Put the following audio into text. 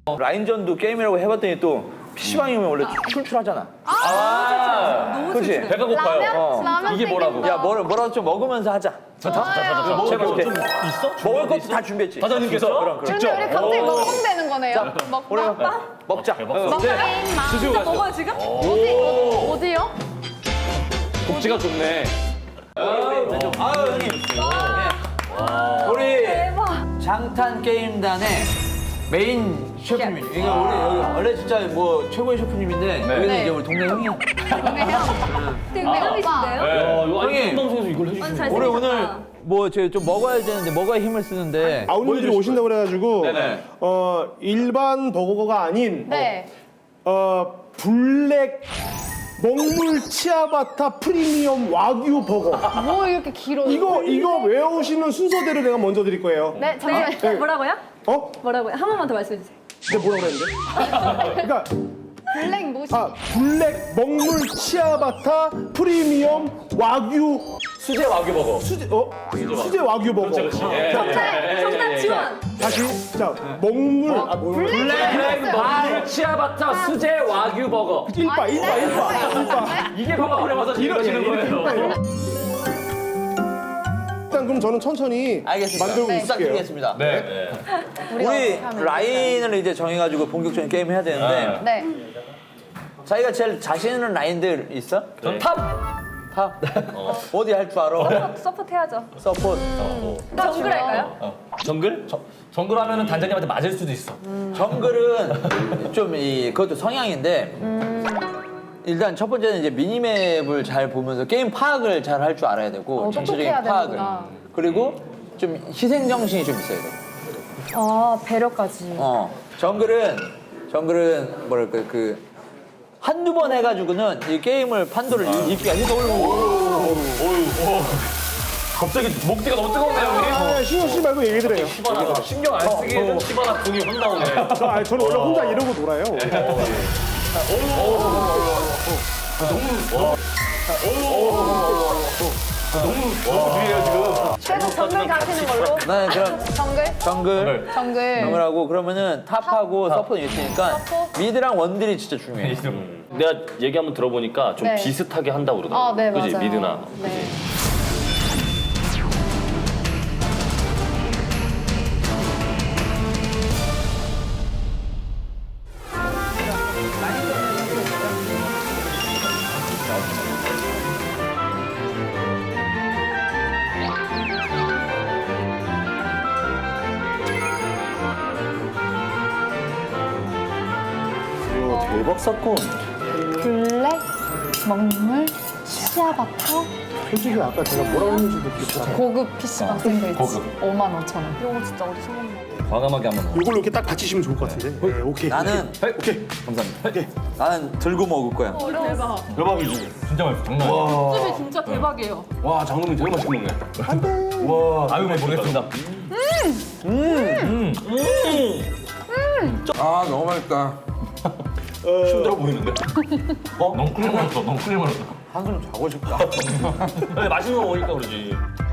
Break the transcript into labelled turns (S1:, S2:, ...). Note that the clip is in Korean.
S1: 라인전도 게임이라고 해봤더니 또 PC방이 오면 원래 출출하잖아. 그렇지?
S2: 배가 고파요.
S3: 라면
S1: 이게 뭐라고? 야, 뭐라도 좀 먹으면서 하자.
S2: 자.
S1: 먹을 거
S2: 좀 있어?
S1: 먹을 것도 다 준비했지.
S2: 사장님께서
S1: 그럼.
S3: 근데 우리 갑자기 먹방 되는 거네요. 먹방?
S1: 먹자.
S2: 드시고 가시죠.
S3: 먹어요 지금? 어디요?
S2: 복지가 좋네.
S1: 형님. 우리 장탄 게임단의 메인 셰프님. 이게 우리 여기 원래 진짜 뭐 최고의 셰프님인데 여기는
S3: 네.
S1: 이제 우리 동네 형이야.
S3: 동네형이신데요?
S2: 이거
S1: 형님.
S2: 아니 방송에서 이걸 해주시면
S1: 우리 오늘 뭐 좀 먹어야 되는데 먹어야 힘을 쓰는데.
S4: 아우님들이 오신다고 그래가지고
S1: 네네.
S4: 일반 버거가 아닌
S3: 네.
S4: 블랙 먹물 치아바타 프리미엄 와규 버거.
S3: 뭐 이렇게 길어?
S4: 이거 외우시는 순서대로 내가 먼저 드릴 거예요.
S3: 네, 잠시만요.
S4: 네.
S5: 뭐라고요?
S4: 어?
S5: 뭐라고요? 한 번만 더 말씀해 주세요.
S4: 내가 뭐라고 그랬는데? 그러니까
S3: 블랙 뭐시?
S4: 블랙 먹물 치아바타 프리미엄 와규
S1: 수제 와규 버거.
S4: 수제 와규 버거.
S5: 정답 지원.
S4: 다시 자 먹물
S2: 블랙 치아바타 수제 와규 버거.
S4: 일바.
S2: 이게 바로 그래 맞아 이러시는 거예요.
S4: 일단 그럼 저는 천천히
S1: 알겠습니다.
S4: 만들고 있을게요.
S1: 시작드리겠습니다.
S2: 네.
S1: 우리 라인을 이제 정해가지고 본격적인 게임 해야 되는데
S3: 네.
S1: 자기가 제일 자신 있는 라인들 있어?
S2: 전 탑.
S1: 탑? 어디 할 줄 알아?
S5: 서포트 해야죠.
S1: 서포트.
S5: 정글 할까요?
S2: 정글? 정글 하면은 단장님한테 맞을 수도 있어.
S1: 정글은 좀 그것도 성향인데 일단 첫 번째는 이제 미니맵을 잘 보면서 게임 파악을 잘 할 줄 알아야 되고 전체적인
S3: 똑똑해야
S1: 파악을.
S3: 되는구나.
S1: 그리고 좀 희생 정신이 좀 있어야 돼.
S3: 배려까지.
S1: 정글은 뭐랄까 한두 번 해가지고는 이 게임을 판도를 읽기가 힘들어.
S2: 갑자기 목뒤가 너무 뜨거운데요,
S4: 신경 쓰지 말고 얘기드려요.
S2: 우리? 신경 안 쓰기에는 시바나 궁이 확 나오네.
S4: 저는 원래 혼자 이러고 놀아요.
S3: 계속 정글 가시는 걸로.
S1: 나는 그럼
S3: 정글?
S1: 정글하고 그러면은 탑하고 서포는 있으니까
S3: 서포?
S1: 미드랑 원딜이 진짜 중요해.
S2: 내가 얘기 한번 들어보니까 좀
S3: 네.
S2: 비슷하게 한다고 그러더라고.
S3: 네,
S2: 그지
S3: 맞아요.
S2: 미드나.
S3: 네.
S4: 대박 사건.
S3: 블랙, 먹물, 치아바타,
S4: 솔직히 아까 제가 뭐라고 했는지도 기억 안 나요.
S3: 고급 PC방 샌드위치.
S2: 고급.
S3: 55,000원.
S5: 이거 진짜 어디서 먹나?
S2: 과감하게 한번.
S4: 이걸로 이렇게 딱 받치시면 좋을 것 같은데. 네, 오케이.
S1: 나는
S4: 오케이.
S2: 감사합니다.
S1: 나는 들고 먹을 거야.
S5: 대박.
S2: 대박이지. 진짜 맛있어. 장난 아니야.
S5: 집이 진짜 대박이에요.
S2: 와 장동민 되게 맛있게 먹네. 안돼. 와 아유 모르겠습니다.
S1: 아 너무 맛있다.
S2: 힘들어 보이는데? 너무 끓여 먹었어. 너무 끓여 먹었어.
S1: 한숨 자고 싶다.
S2: 근데 맛있는 거 먹으니까 그러지.